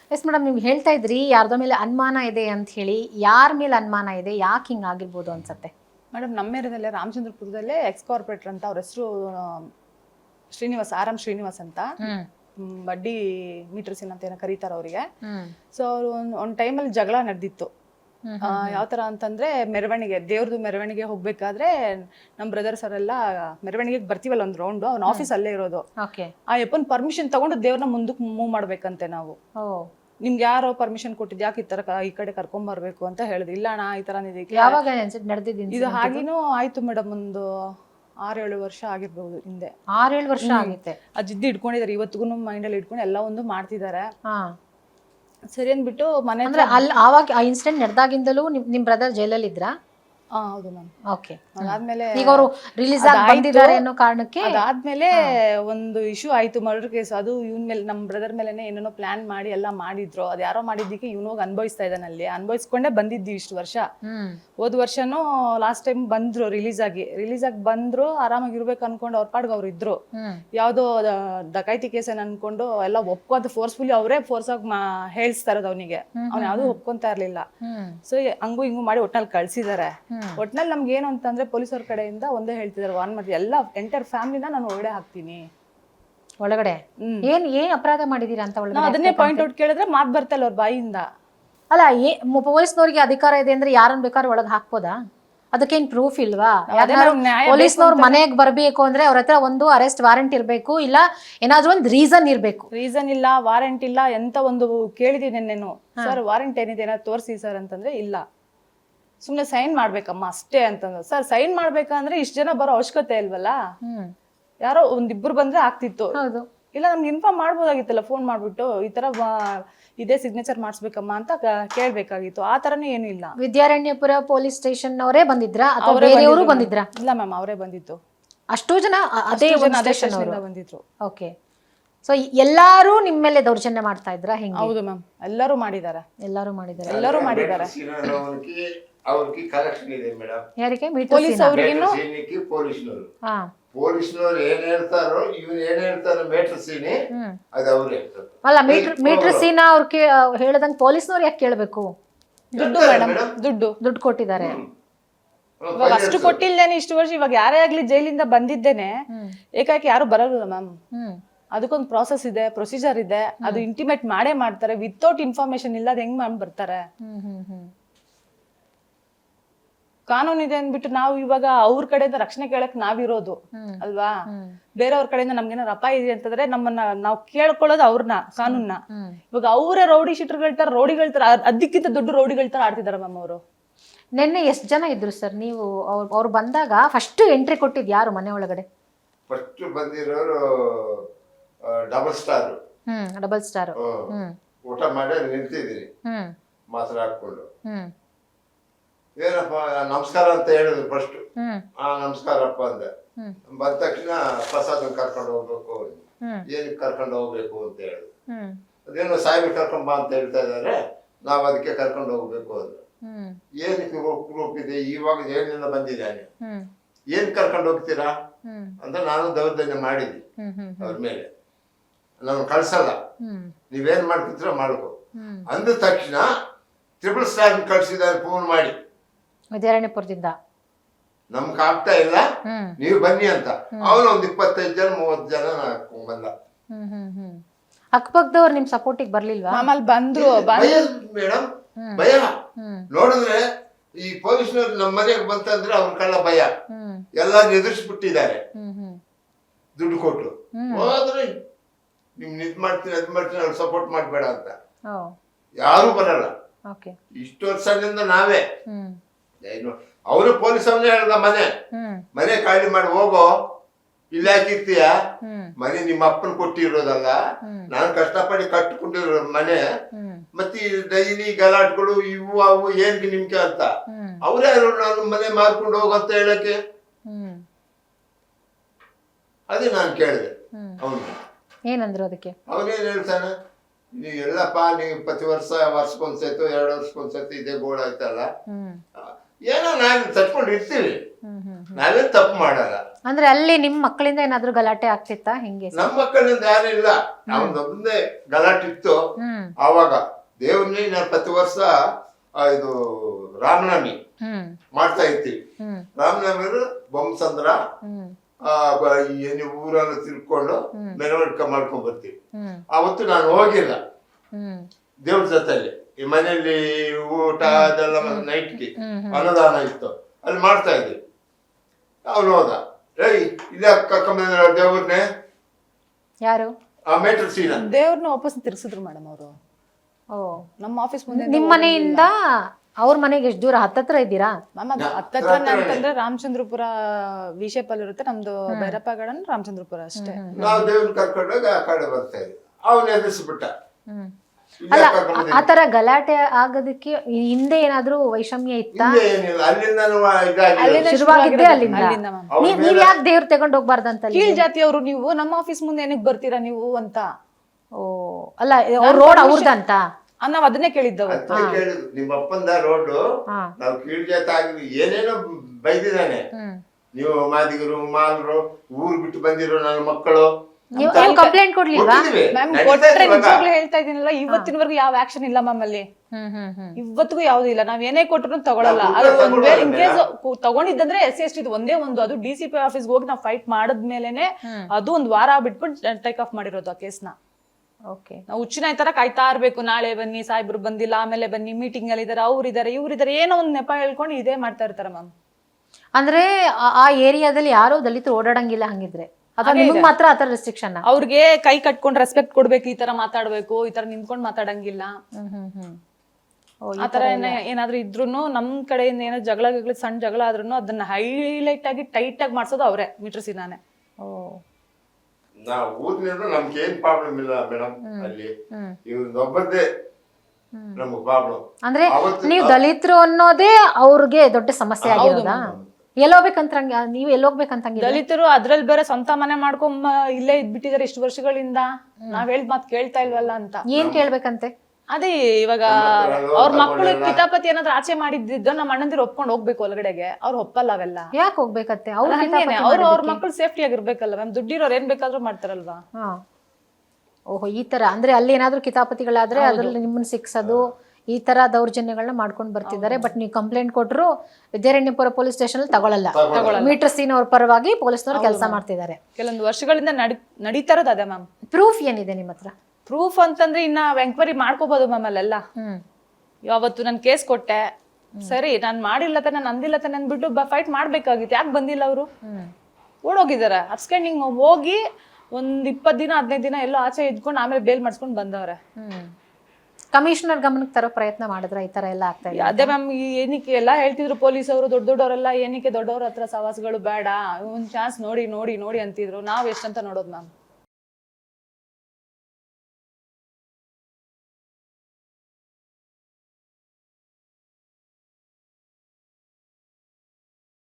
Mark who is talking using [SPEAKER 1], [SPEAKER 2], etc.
[SPEAKER 1] Yes madam, ನೀವು ಹೇಳ್ತಾ ಇದ್ರಿ ಯಾರ್ದೋ ಮೇಲೆ ಅನುಮಾನ ಇದೆ ಅಂತ ಹೇಳಿ. ಯಾರ ಮೇಲೆ ಅನುಮಾನ ಇದೆ, ಯಾಕೆ ಹಿಂಗಾಗಿರ್ಬೋದು ಅನ್ಸತ್ತೆ?
[SPEAKER 2] ಮೇಡಮ್, ನಮ್ಮ ಏರಿಯಾದಲ್ಲೇ ರಾಮಚಂದ್ರಪುರದಲ್ಲೇ ಎಕ್ಸ್ ಕಾರ್ಪೊರೇಟರ್ ಅಂತ, ಅವ್ರ ಹೆಸರು ಶ್ರೀನಿವಾಸ್, ಆರ್.ಎಂ. ಶ್ರೀನಿವಾಸ್ ಅಂತ, ಬಡ್ಡಿ ಮೀಟರ್ಸಿನ್ ಅಂತ ಏನೋ ಕರೀತಾರ ಅವರಿಗೆ. ಸೊ ಅವರು ಒಂದು ಟೈಮಲ್ಲಿ ಜಗಳ ನಡೆದಿತ್ತು. ಯಾವ ತರ ಅಂತಂದ್ರೆ, ಮೆರವಣಿಗೆ, ದೇವ್ರದ್ದು ಮೆರವಣಿಗೆ ಹೋಗ್ಬೇಕಾದ್ರೆ ನಮ್ ಬ್ರದರ್ಸ್ ಅವರೆಲ್ಲ ಮೆರವಣಿಗೆಗೆ ಬರ್ತೀವಲ್ಲ ಒಂದು ರೌಂಡ್, ಅವ್ನ ಆಫೀಸ್ ಅಲ್ಲೇ ಇರೋದು. ಆ ಯಪ್ಪನ್ ಪರ್ಮಿಷನ್ ತಗೊಂಡು ದೇವ್ರನ್ನ ಮುಂದಕ್ಕೆ ಮೂವ್ ಮಾಡ್ಬೇಕಂತೆ. ನಾವು ನಿಮ್ಗೆ ಯಾರೋ ಪರ್ಮಿಷನ್ ಕೊಟ್ಟಿದ್, ಯಾಕೆ ಈ ಕಡೆ ಕರ್ಕೊಂಡ್ ಬರ್ಬೇಕು ಅಂತ ಹೇಳಿದ್ರು. ಇಲ್ಲ ಅಣ್ಣ, ಈ ತರ ಇದು ಹಾಗೇನೂ ಆಯ್ತು ಮೇಡಮ್. ಒಂದು 6-7 ವರ್ಷ ಆಗಿರ್ಬಹುದು ಹಿಂದೆ.
[SPEAKER 1] 6-7 ವರ್ಷ ಆಗಿದೆ.
[SPEAKER 2] ಆ ಜಿದ್ದು ಇಟ್ಕೊಂಡಿದ್ದಾರೆ, ಇವತ್ತಿಗೂ ಮೈಂಡ್ ಅಲ್ಲಿ ಇಟ್ಕೊಂಡು ಎಲ್ಲ ಒಂದು ಮಾಡ್ತಿದ್ದಾರೆ. ಸರಿ ಅಂದ್ಬಿಟ್ಟು ಮನೆ
[SPEAKER 1] ಅಂದ್ರೆ ಅಲ್ಲಿ ಆವಾಗ ಆ ಇನ್ಸಿಡೆಂಟ್ ನಡೆದಾಗಿಂದಲೂ ನಿಮ್ ಬ್ರದರ್ ಜೈಲಲ್ಲಿ ಇದ್ರಾ?
[SPEAKER 2] ಹೌದು ಮ್ಯಾಮ್.
[SPEAKER 1] ಓಕೆ.
[SPEAKER 2] ಅದಾದ್ಮೇಲೆ
[SPEAKER 1] ಈಗ ಅವರು ರಿಲೀಸ್ ಆಗಿ ಬಂದಿದ್ದಾರೆ ಅನ್ನೋ ಕಾರಣಕ್ಕೆ
[SPEAKER 2] ಅದಾದ್ಮೇಲೆ ಒಂದು ಇಶ್ಯೂ ಆಯ್ತು, ಮರ್ಡರ್ ಕೇಸ್. ಅದು ಇವನ್ ಮೇಲೆ, ನಮ್ ಬ್ರದರ್ ಮೇಲೆನೆ ಏನೇನೋ ಪ್ಲಾನ್ ಮಾಡಿ ಎಲ್ಲ ಮಾಡಿದ್ರು. ಅದ್ ಯಾರೋ ಮಾಡಿದ್ದಕ್ಕೆ ಇವನು ಹೋಗಿ ಅನ್ಭವಿಸ್ತಾ ಇದ್ದಾನೆ ಅಲ್ಲಿ. ಅನ್ಭವಿಸ್ಕೊಂಡೇ ಬಂದಿದ್ವಿ ಇಷ್ಟು ವರ್ಷ. ಹೋದ್ ವರ್ಷನೂ ಲಾಸ್ಟ್ ಟೈಮ್ ಬಂದ್ರು, ರಿಲೀಸ್ ಆಗಿ ಬಂದ್ರು. ಆರಾಮಾಗಿರ್ಬೇಕು ಅನ್ಕೊಂಡು ಅವ್ರ ಪಾಡ್ಗೆ ಅವ್ರು ಇದ್ರು. ಯಾವ್ದೋ ಡಕೈತಿ ಕೇಸ್ ಏನ್ ಅನ್ಕೊಂಡು ಎಲ್ಲ ಒಪ್ಕೊಂತ ಫೋರ್ಸ್ಫುಲಿ ಅವರೇ ಫೋರ್ಸ್ ಆಗಿ ಹೇಳ್ಸ್ತಾ ಇರೋದು ಅವನಿಗೆ. ಅವ್ನ ಯಾವ್ದು ಒಪ್ಕೊಂತಾ ಇರ್ಲಿಲ್ಲ. ಸೊ ಹಂಗು ಹಿಂಗು ಮಾಡಿ ಒಟ್ನಲ್ಲಿ ಕಳ್ಸಿದಾರೆ. ಒಟ್ನಲ್ಲಿ ನಮ್ಗೆ ಏನು ಅಂತಂದ್ರೆ, ಪೊಲೀಸರ ಕಡೆಯಿಂದ ಒಂದೇ ಹೇಳ್ತಿದಾರೆ, ವಾರ್ನ್ ಮಾಡಿ ಎಲ್ಲ ಎಂಟರ್ ಫ್ಯಾಮಿಲಿನ ನಾನು ಒಳಗಡೆ ಹಾಕ್ತೀನಿ.
[SPEAKER 1] ಒಳಗಡೆ ಏನ್ ಅಪರಾಧ ಮಾಡಿದೀರಾ ಅಂತ ಒಳಗಡೆ
[SPEAKER 2] ಅದನ್ನೇ ಪಾಯಿಂಟ್ ಔಟ್ ಕೇಳಿದ್ರೆ ಮಾತ್ ಬರ್ತಲ್ಲ ಅವ್ರ ಬಾಯಿಯಿಂದ.
[SPEAKER 1] ಅಲ್ಲ, ಪೊಲೀಸ್ನವ್ರಿಗೆ ಅಧಿಕಾರ ಇದೆ ಅಂದ್ರೆ ಯಾರನ್ನ ಬೇಕಾದ್ರೂ ಒಳಗ್ ಹಾಕ್ಬೋದಾ? ಅದಕ್ಕೇನ್ ಪ್ರೂಫ್ ಇಲ್ವಾ? ಪೊಲೀಸ್ನವ್ರ ಮನೆಗ್ ಬರ್ಬೇಕು ಅಂದ್ರೆ ಅವ್ರ ಹತ್ರ ಒಂದು ಅರೆಸ್ಟ್ ವಾರೆಂಟ್ ಇರ್ಬೇಕು, ಇಲ್ಲ ಏನಾದ್ರೂ ಒಂದು ರೀಸನ್ ಇರ್ಬೇಕು.
[SPEAKER 2] ರೀಸನ್ ಇಲ್ಲ, ವಾರೆಂಟ್ ಇಲ್ಲ, ಎಂತ ಒಂದು ಕೇಳಿದೀನಿ ನೆನ್ನೆನು. ಸರ್ ವಾರೆಂಟ್ ಏನಿದೆ ಏನಾದ್ರು ತೋರಿಸಿ ಸರ್ ಅಂತಂದ್ರೆ, ಇಲ್ಲ ಸುಮ್ನೆ ಸೈನ್ ಮಾಡ್ಬೇಕಮ್ಮ ಅಷ್ಟೇ ಅಂತಂದ್ರೆ. ಸರ್ ಸೈನ್ ಮಾಡ್ಬೇಕಂದ್ರೆ ಇಷ್ಟ ಜನ ಬರೋ ಅವಶ್ಯಕತೆ ಇಲ್ವಲ್ಲ, ಯಾರೋ ಒಂದಿಬ್ರು ಬಂದ್ರೆ ಆಗ್ತಿತ್ತು. ಇಲ್ಲ ನಮ್ಗೆ ಇನ್ಫಾರ್ಮ್ ಮಾಡ್ಬೋದಾಗಿತ್ತಲ್ಲ, ಫೋನ್ ಮಾಡ್ಬಿಟ್ಟು ಈ ತರ ಇದೇ ಸಿಗ್ನೇಚರ್ ಮಾಡಿಸ್ಬೇಕಮ್ಮ ಅಂತ ಕೇಳ್ಬೇಕಾಗಿತ್ತು. ಆ ತರನೇ ಏನು ಇಲ್ಲ.
[SPEAKER 1] ವಿದ್ಯಾರಣ್ಯಪುರ ಪೊಲೀಸ್ ಸ್ಟೇಷನ್ ಅವರೇ ಬಂದಿದ್ರಾ ಅಥವಾ ಬೇರೆಯವರು ಬಂದಿದ್ರಾ?
[SPEAKER 2] ಇಲ್ಲ ಮ್ಯಾಮ್, ಅವರೇ ಬಂದಿತ್ತು.
[SPEAKER 1] ಅಷ್ಟೂ ಜನ ಅದೇ ಸ್ಟೇಷನ್
[SPEAKER 2] ಬಂದಿದ್ರು.
[SPEAKER 1] ಓಕೆ. ಸೊ ಎಲ್ಲಾರು ನಿಮ್ ಮೇಲೆ ದೌರ್ಜನ್ಯ ಮಾಡ್ತಾ ಇದ್ರ? ಹೆಂಗೆ?
[SPEAKER 2] ಹೌದು ಮ್ಯಾಮ್, ಎಲ್ಲರೂ ಮಾಡಿದ್ದಾರೆ.
[SPEAKER 1] ಎಲ್ಲರೂ ಮಾಡಿದ್ದಾರೆ.
[SPEAKER 3] ಅವ್ರಿಗೆ ಕಲೆಕ್ಷನ್ ಇದೆ ಮೇಡಮ್.
[SPEAKER 1] ಯಾರಿಗೆ?
[SPEAKER 2] ಪೊಲೀಸ್ ಅವ್ರಿಗೇನು
[SPEAKER 3] ಪೊಲೀಸ್ನವ್ರು ಏನ್ ಹೇಳ್ತಾರೋ, ಇವ್ರು ಏನ್ ಹೇಳ್ತಾರೋ ಮೇಟ್ರ್ ಸೀನಿ ಅದು ಅವ್ರು ಹೇಳ್ತಾರೆ.
[SPEAKER 1] ಅಲ್ಲ, ಮೀಟರ್ ಸೀನಾ ಅವ್ರಿಗೆ ಹೇಳ್ದಂಗ್ ಪೊಲೀಸ್ನವ್ರು ಯಾಕೆ ಕೇಳ್ಬೇಕು?
[SPEAKER 2] ದುಡ್ಡು ಮೇಡಮ್, ದುಡ್ಡು
[SPEAKER 1] ಕೊಟ್ಟಿದ್ದಾರೆ.
[SPEAKER 2] ಇವಾಗ ಅಷ್ಟು ಕೊಟ್ಟಿಲ್ದೇನೆ ಇಷ್ಟು ವರ್ಷ. ಇವಾಗ ಯಾರೇ ಆಗ್ಲಿ ಜೈಲಿಂದ ಬಂದಿದ್ದೇನೆ, ಏಕಾಏಕಿ ಯಾರು ಬರಲ್ಲ ಮ್ಯಾಮ್. ಅದಕ್ಕೊಂದು ಪ್ರಾಸೆಸ್ ಇದೆ, ಪ್ರೊಸೀಜರ್ ಇದೆ. ಅದು ಇಂಟಿಮೇಟ್ ಮಾಡೇ ಮಾಡ್ತಾರೆ. ವಿತೌಟ್ ಇನ್ಫಾರ್ಮೇಶನ್ ಇಲ್ಲದ ಹೆಂಗ್ ಮ್ಯಾಮ್ ಬರ್ತಾರೆ? ಕಾನೂನು ಇದೆ ಅಂದ್ಬಿಟ್ಟು ನಾವು ಇವಾಗ ಅವ್ರ ಕಡೆಯಿಂದ ರಕ್ಷಣೆ ಕೇಳಕ್ ನಾವಿರೋದು ಅಲ್ವಾ? ಬೇರೆಯವ್ರ ಕಡೆಯಿಂದ ನಮ್ಗೇನಾರು ಅಪಾಯ ಇದೆ ಅಂತಂದ್ರೆ ನಮ್ಮನ್ನ ನಾವು ಕೇಳ್ಕೊಳ್ಳೋದು ಅವ್ರನ್ನ, ಕಾನೂನ್ನ. ಇವಾಗ ಅವರೇ ರೌಡಿ ಶೀಟರ್ಗಳ ತರ, ರೋಡಿಗಳ ತರ, ಅದಕ್ಕಿಂತ ದೊಡ್ಡ ರೋಡಿಗಳ ತರ ಆಡ್ತಿದಾರೆ ಮ್ಯಾಮ್ ಅವರು.
[SPEAKER 1] ನಿನ್ನೆ ಎಷ್ಟು ಜನ ಇದ್ರು ಸರ್? ನೀವು ಅವ್ರು ಬಂದಾಗ ಫಸ್ಟ್ ಎಂಟ್ರಿ ಕೊಟ್ಟಿದ್ ಯಾರು ಮನೆ ಒಳಗಡೆ?
[SPEAKER 3] ಫಸ್ಟ್ ಬಂದಿರೋರು ಡಬಲ್ ಸ್ಟಾರ್. ಊಟ ಮಾಡಿ ನಿಂತಿದ್ರಿ, ಮಾತ್ರ ಹಾಕೊಂಡು. ಏನಪ್ಪ ನಮಸ್ಕಾರ ಅಂತ ಹೇಳಿದ್ರು ಫಸ್ಟ್. ನಮಸ್ಕಾರಪ್ಪ ಅಂದೆ. ಬಂದ ತಕ್ಷಣ ಪ್ರಸಾದ್ ಕರ್ಕೊಂಡು ಹೋಗ್ಬೇಕು, ಏನಕ್ಕೆ ಕರ್ಕೊಂಡು ಹೋಗ್ಬೇಕು ಅಂತ ಹೇಳಿದ್ರು. ಅದೇನೋ ಸಾಹೇಬ್ ಕರ್ಕೊಂಡ್ ಬಾ ಅಂತ ಹೇಳ್ತಾ ಇದಾರೆ, ನಾವ್ ಅದಕ್ಕೆ ಕರ್ಕೊಂಡು ಹೋಗ್ಬೇಕು ಅಂದ್ರು. ಏನಕ್ಕೆ ಗ್ರೂಪ್ ಇದೆ, ಇವಾಗ ಜೈಲಿನಿಂದ ಬಂದಿದ್ದಾನೆ, ಏನ್ ಕರ್ಕೊಂಡು ಹೋಗ್ತೀರಾ ಅಂತ ನಾನು ದೌರ್ಜನ್ಯ ಮಾಡಿದ್ವಿ ಅವ್ರ ಮೇಲೆ. ನಾನು ಕಳ್ಸಲ್ಲ, ನೀವೇನ್ ಮಾಡ್ತಿದ್ರ ಮಾಡ್ಕೊ ಅಂದ ತಕ್ಷಣ ಟ್ರಿಪಲ್ ಸ್ಟಾರ್ ಕಳ್ಸಿದ್ದಾರೆ ಫೋನ್ ಮಾಡಿ,
[SPEAKER 1] ವಿದ್ಯಾರಣ್ಯಪುರದಿಂದ.
[SPEAKER 3] ನಮ್ಗೆ ಆಗ್ತಾ ಇಲ್ಲ, ನೀವು ಬನ್ನಿ ಅಂತ. ಅವನು ಒಂದ್ 25 ಜನ 30 ಜನ ಬಂದ.
[SPEAKER 1] ಅಕ್ಕಪಕ್ಕದವ್ರು ನಿಮ್ ಸಪೋರ್ಟಿಗೆ ಬರ್ಲಿಲ್ವಾ?
[SPEAKER 2] ಆಮೇಲೆ ಬಂದ್ರು
[SPEAKER 3] ಮೇಡಮ್. ಭಯ ನೋಡಿದ್ರೆ ಈ ಪೊಲೀಸ್ನವ್ರು ನಮ್ಮ ಮನೆಗೆ ಬಂತಂದ್ರೆ ಅವ್ರ ಕಳ್ಳ ಭಯ ಎಲ್ಲ ಎದುರಿಸ್ಬಿಟ್ಟಿದ್ದಾರೆ. ದುಡ್ಡು ಕೊಟ್ಟು ಹೋದ್ರೆ ನಿಮ್ ನಿದ್ ಮಾಡ್ತೀನಿ ಅದ್ ಮಾಡ್ತೀನಿ, ಅವ್ರು ಸಪೋರ್ಟ್ ಮಾಡ್ಬೇಡ ಅಂತ ಯಾರು ಬರಲ್ಲ. ಇಷ್ಟು ವರ್ಷದಿಂದ ನಾವೇ ಅವರು ಪೊಲೀಸ್ ಅವನೇ ಹೇಳ್ದ, ಮನೆ ಖಾಲಿ ಮಾಡಿ ಹೋಗೋ, ಇಲ್ಲಿ ಹಾಕಿರ್ತೀಯ, ಮನೆ ನಿಮ್ಮ ಅಪ್ಪನ ಕೊಟ್ಟಿರೋದಲ್ಲ, ನಾನು ಕಷ್ಟಪಡಿ ಕಟ್ಕೊಂಡಿರೋ ಮನೆ, ಮತ್ತೆ ಡೈಲಿ ಗಲಾಟ್ಗಳು ಇವು ಅವು ಏನ್ಗೆ ನಿಮ್ಗೆ ಅಂತ. ಅವ್ರೇ ನಾನು ಮನೆ ಮಾರ್ಕೊಂಡು ಹೋಗಂತ ಹೇಳಕ್ಕೆ. ಅದೇ ನಾನು ಕೇಳಿದೆ ಅವನು
[SPEAKER 1] ಏನಂದ್ರು ಅದಕ್ಕೆ.
[SPEAKER 3] ಅವನೇನ್ ಹೇಳ್ತಾನೆ, ನೀವು ಎಲ್ಲಪ್ಪ ನೀವು ಪ್ರತಿ ವರ್ಷಕ್ಕೊಂದ್ಸೈತು 2 ವರ್ಷಕ್ಕೊಂದ್ಸೈತು ಇದೇ ಗೋಳ ಆಯ್ತಲ್ಲ, ಏನೋ ನಾವ್ ತಟ್ಕೊಂಡು ಇರ್ತೀವಿ, ನಾವೇನ್ ತಪ್ಪು ಮಾಡಲ್ಲ.
[SPEAKER 1] ಅಂದ್ರೆ ಅಲ್ಲಿ ನಿಮ್ ಮಕ್ಕಳಿಂದ ಏನಾದ್ರು ಗಲಾಟೆ ಆಗ್ತಿತ್ತಾ ಹೆಂಗೆ?
[SPEAKER 3] ನಮ್ಮ ಮಕ್ಕಳಿಂದ ಯಾರು ಇಲ್ಲ, ಅವನೊಬ್ಬಂದೇ ಗಲಾಟೆ ಇತ್ತು. ಆವಾಗ ದೇವ್ರನ್ನೇ ನಾನು 10 ವರ್ಷ ಇದು ರಾಮನವಮಿ ಮಾಡ್ತಾ ಇರ್ತೀವಿ. ರಾಮನವಮಿ ಬೊಮ್ಮಸಂದ್ರ ನೀವು ಊರನ್ನು ತಿರ್ಕೊಂಡು ಮೆರವಣಿಗೆ ಮಾಡ್ಕೊಂಡ್ ಬರ್ತೀವಿ. ಅವತ್ತು ನಾನು ಹೋಗಿಲ್ಲ ದೇವ್ರ ಜೊತೆಲಿ. ಈ ಮನೆಯಲ್ಲಿ ಊಟ ಅದೆಲ್ಲ ನೈಟ್ಗೆ ಅನ್ನದಾನ ಇತ್ತು, ಅಲ್ಲಿ ಮಾಡ್ತಾ ಇದ್ವಿ. ಅವನು ಹೋದ, ಏಯ್ ಇಲ್ಲೇ ಕರ್ಕೊಂಬಂದ್ರ ದೇವ್ರನ್ನೇ.
[SPEAKER 1] ಯಾರು?
[SPEAKER 3] ಆ ಮೇಟ್ರ್ ಸೀನ
[SPEAKER 2] ದೇವ್ರನ್ನ ವಾಪಸ್ ತಿರ್ಸಿದ್ರು ಮೇಡಮ್ ಅವರು.
[SPEAKER 1] ಓ,
[SPEAKER 2] ನಮ್ಮ ಆಫೀಸ್ ಮುಂದೆ.
[SPEAKER 1] ನಿಮ್ ಮನೆಯಿಂದ ಅವ್ರ ಮನೆಗೆ ಎಷ್ಟು ದೂರ? ಹತ್ತತ್ರ ಇದ್ದೀರಾ?
[SPEAKER 2] ಮ್ಯಾಮ್ ಅದು ಹತ್ತತ್ರ ಅಂತಂದ್ರೆ ರಾಮಚಂದ್ರಪುರ ವಿಶೇಪಲ್ಲಿ ಇರುತ್ತೆ, ನಮ್ದು ಭೈರಪ್ಪ ಗಾರ್ಡನ್ ರಾಮಚಂದ್ರಪುರ ಅಷ್ಟೇ.
[SPEAKER 3] ನಾವು ದೇವ್ರನ್ನ ಕರ್ಕೊಂಡೋಗ ಆ ಕಡೆ ಬರ್ತಾ ಇದ್ವಿ. ಅವನು ಎದುರಿಸ್ಬಿಟ್ಟ.
[SPEAKER 1] ಅಲ್ಲ, ಆತರ ಗಲಾಟೆ ಆಗೋದಕ್ಕೆ ಹಿಂದೆ ಏನಾದ್ರೂ ವೈಷಮ್ಯ ಇತ್ತ?
[SPEAKER 3] ಏನಿಲ್ಲ, ಅಲ್ಲಿಂದ
[SPEAKER 1] ಶುರುವಾಗಿದ್ದೆ ಅಲ್ಲಿಂದ. ನೀವ್ ಯಾಕೆ ದೇವ್ರ ತಗೊಂಡ್ ಹೋಗ್ಬಾರ್ದಂತ?
[SPEAKER 2] ಕೀಳ್ ಜಾತಿಯವರು ನೀವು ನಮ್ಮ ಆಫೀಸ್ ಮುಂದೆ ಏನಕ್ಕೆ ಬರ್ತೀರಾ ನೀವು ಅಂತ.
[SPEAKER 1] ಓ ಅಲ್ಲ, ರೋಡ್ ಅವ್ರದಂತ
[SPEAKER 2] ನಾವ್ ಅದನ್ನೇ ಕೇಳಿದ್ದವ.
[SPEAKER 3] ಕೇಳಿದ್ರು ನಿಮ್ಮ ಅಪ್ಪಂದ ರೋಡ್ ನಾವು ಕೀಳ್ಜಾತ ಆಗಿ ಏನೇನೋ ಬೈದಿದ್ದಾನೆ. ನೀವು ಮಾದಿಗರು ಮಾಲರು ಊರ್ ಬಿಟ್ಟು ಬಂದಿರೋ ನನ್ನ ಮಕ್ಕಳು
[SPEAKER 1] ಕಂಪ್ಲೇಂಟ್ ಕೊಡ್ಲಿಲ್ವಾ?
[SPEAKER 2] ಮ್ಯಾಮ್ ಕೊಟ್ರೆ ನಿಜವಾಗ್ಲೂ ಹೇಳ್ತಾ ಇದೀನಲ್ಲ, ಇವತ್ತಿನವರೆಗೂ ಯಾವ ಆಕ್ಷನ್ ಇಲ್ಲ ಮ್ಯಾಮ್ ಅಲ್ಲಿ. ಇವತ್ತಿಗೂ ಯಾವ್ದು ಇಲ್ಲ. ನಾವ್ ಏನೇ ಕೊಟ್ಟರು ತಗೊಳಲ್ಲ. ಅದು ಒಂದ್ ವೇಳೆ ಇನ್ ಕೇಸ್ ತಗೊಂಡಿದ್ದಂದ್ರೆ SC/ST ಇದು ಒಂದೇ ಒಂದು, ಅದು DCP ಆಫೀಸ್ಗೆ ಹೋಗಿ ನಾವು ಫೈಟ್ ಮಾಡದ್ಮೇಲೆನೆ ಅದು ಒಂದ್ ವಾರ ಬಿಟ್ಬಿಟ್ಟು ಟೇಕ್ ಆಫ್ ಮಾಡಿರೋದು ಆ ಕೇಸ್ನ. ನಾವು ಹುಚ್ಚಿನ ತರ ಕಾಯ್ತಾ ಇರ್ಬೇಕು, ನಾಳೆ ಬನ್ನಿ, ಸಾಹೇಬ್ರು ಬಂದಿಲ್ಲ, ಆಮೇಲೆ ಬನ್ನಿ, ಮೀಟಿಂಗ್ ಅಲ್ಲಿ ಇದಾರೆ, ಅವ್ರಿದಾರೆ, ಇವ್ರಿದಾರೆ, ಏನೋ ಒಂದ್ ನೆಪ ಹೇಳ್ಕೊಂಡು ಇದೇ ಮಾಡ್ತಾ ಇರ್ತಾರ ಮ್ಯಾಮ್.
[SPEAKER 1] ಅಂದ್ರೆ ಆ ಏರಿಯಾದಲ್ಲಿ ಯಾರೋ ದಲಿತರು ಓಡಾಡಂಗಿಲ್ಲ ಹಂಗಿದ್ರೆ? ಅಥವಾ ನಿಮ್ಗೆ ಮಾತ್ರ ಆತರ ರೆಸ್ಟ್ರಿಕ್ಷನ್?
[SPEAKER 2] ಅವ್ರಿಗೆ ಕೈ ಕಟ್ಕೊಂಡು ರೆಸ್ಪೆಕ್ಟ್ ಕೊಡ್ಬೇಕು, ಈ ತರ ಮಾತಾಡ್ಬೇಕು, ಈ ತರ ನಿಂತ್ಕೊಂಡ್ ಮಾತಾಡಂಗಿಲ್ಲ. ಆತರ ಏನಾದ್ರು ಇದ್ರೂನು ನಮ್ ಕಡೆಯಿಂದ ಏನೋ ಜಗಳ ಸಣ್ಣ ಜಗಳ ಆದ್ರೂ ಅದನ್ನ ಹೈಲೈಟ್ ಆಗಿ ಟೈಟ್ ಆಗಿ ಮಾಡ್ಸೋದು ಅವ್ರೆ, ಮೀಟರ್ ಸೀನಾನೆ.
[SPEAKER 3] ನಾವು ಊರಿನಿಂದ ನಮ್ಗೆ ಏನ್ ಪ್ರಾಬ್ಲಮ್ ಇಲ್ಲ ಮೇಡಮ್. ಅಲ್ಲಿ ಇವ್ರೊಬ್ಬದ್ದೇ ನಮ್ಗೆ ಪ್ರಾಬ್ಲಮ್.
[SPEAKER 1] ಅಂದ್ರೆ ನೀವು ದಲಿತರು ಅನ್ನೋದೇ ಅವ್ರಿಗೆ ದೊಡ್ಡ ಸಮಸ್ಯೆ ಆಗಿರೋದಾ? ಎಲ್ಲೋಗ್ಬೇಕಂತ ನೀವ್ ಎಲ್ಲೋಗ್ಬೇಕಂತ?
[SPEAKER 2] ದಲಿತರು ಅದ್ರಲ್ಲಿ ಬೇರೆ ಸ್ವಂತ ಮನೆ ಮಾಡ್ಕೊಂಡ್ ಇಲ್ಲೇ ಇದ್ಬಿಟ್ಟಿದಾರೆ ಇಷ್ಟು ವರ್ಷಗಳಿಂದ. ನಾವ್ ಹೇಳ್ ಮಾತ್ ಕೇಳ್ತಾ ಇಲ್ವಲ್ಲ ಅಂತ.
[SPEAKER 1] ಏನ್ ಕೇಳ್ಬೇಕಂತೆ?
[SPEAKER 2] ಅದೇ ಇವಾಗ ಅವ್ರ ಮಕ್ಕಳು ಕಿತಾಪತಿ ಏನಾದ್ರು ಆಚೆ ಮಾಡಿದ್ದು ನಮ್ಮ ಅಣ್ಣಂದಿರು ಒಪ್ಕೊಂಡು ಹೋಗ್ಬೇಕು ಒಳಗಡೆಗೆ. ಅವ್ರು ಒಪ್ಪಲ್ಲ ಅವೆಲ್ಲ.
[SPEAKER 1] ಯಾಕೆ ಹೋಗ್ಬೇಕತ್ತೆ?
[SPEAKER 2] ಅವ್ರ ಮಕ್ಕಳು ಸೇಫ್ಟಿ ಆಗಿರ್ಬೇಕಲ್ಲ ಮ್ಯಾಮ್. ದುಡ್ಡಿರೋರು ಏನ್ ಬೇಕಾದ್ರೂ ಮಾಡ್ತಾರಲ್ವಾ.
[SPEAKER 1] ಓಹೋ, ಈ ತರ. ಅಂದ್ರೆ ಅಲ್ಲಿ ಏನಾದ್ರು ಕಿತಾಪತಿಗಳಾದ್ರೆ ಅದ್ರಲ್ಲಿ ನಿಮ್ಮನ್ನ ಸಿಕ್ಸೋದು, ಈ ತರ ದೌರ್ಜನ್ಯಗಳನ್ನ ಮಾಡ್ಕೊಂಡು ಬರ್ತಿದ್ದಾರೆ. ಬಟ್ ನೀವು ಕಂಪ್ಲೇಂಟ್ ಕೊಟ್ಟರು ವಿದ್ಯಾರಣ್ಯಪುರ ಪೊಲೀಸ್ ಸ್ಟೇಷನ್ ಅಲ್ಲಿ ತಗೊಳಲ್ಲ. ಮೀಟರ್ ಸೀನ್ ಅವ್ರ ಪರವಾಗಿ ಪೊಲೀಸ್ನವ್ರು ಕೆಲಸ ಮಾಡ್ತಿದ್ದಾರೆ.
[SPEAKER 2] ಕೆಲವೊಂದು ವರ್ಷಗಳಿಂದ ನಡೀತಾ ಇರೋದು ಅದೇ ಮ್ಯಾಮ್.
[SPEAKER 1] ಪ್ರೂಫ್ ಏನಿದೆ ನಿಮ್ಮ ಹತ್ರ?
[SPEAKER 2] ಪ್ರೂಫ್ ಅಂತಂದ್ರೆ ಇನ್ನ ಎಂಕ್ವೈರಿ ಮಾಡ್ಕೋಬಹುದು ಮ್ಯಾಮ್ ಅಲ್ಲೆಲ್ಲ. ಯಾವತ್ತು ನಾನು ಕೇಸ್ ಕೊಟ್ಟೆ, ಸರಿ ನಾನು ಮಾಡಿಲ್ಲ ತಾನೆ, ನಂದಿಲ್ಲ ತಾನೆ ಅಂದ್ಬಿಟ್ಟು ಫೈಟ್ ಮಾಡ್ಬೇಕಾಗಿತ್ತು. ಯಾಕೆ ಬಂದಿಲ್ಲ ಅವರು? ಓಡೋಗಿದ್ದಾರೆ. ಅಬ್ಸ್ಕೆಂಡಿಂಗ್ ಹೋಗಿ ಒಂದ್ 20 ದಿನ 15 ದಿನ ಎಲ್ಲೋ ಆಚೆ ಇದ್ಕೊಂಡು ಆಮೇಲೆ ಬೇಲ್ ಮಾಡಿಸ್ಕೊಂಡು ಬಂದವ್ರೆ.
[SPEAKER 1] ಕಮಿಷನರ್ ಗಮನಕ್ಕೆ ತರೋ ಪ್ರಯತ್ನ ಮಾಡಿದ್ರ ಈ ತರ ಎಲ್ಲ ಆಗ್ತಾ ಇದೆ?
[SPEAKER 2] ಅದೇ ಮ್ಯಾಮ್, ಏನಕ್ಕೆ ಎಲ್ಲ ಹೇಳ್ತಿದ್ರು ಪೊಲೀಸವರು, ದೊಡ್ಡವರೆಲ್ಲ ಏನಕ್ಕೆ ದೊಡ್ಡವ್ರ ಹತ್ರ ಸವಾಸಗಳು ಬೇಡ, ಒಂದ್ ಚಾನ್ಸ್ ನೋಡಿ ನೋಡಿ ನೋಡಿ ಅಂತಿದ್ರು. ನಾವ್ ಎಷ್ಟಂತ ನೋಡೋದು ಮ್ಯಾಮ್.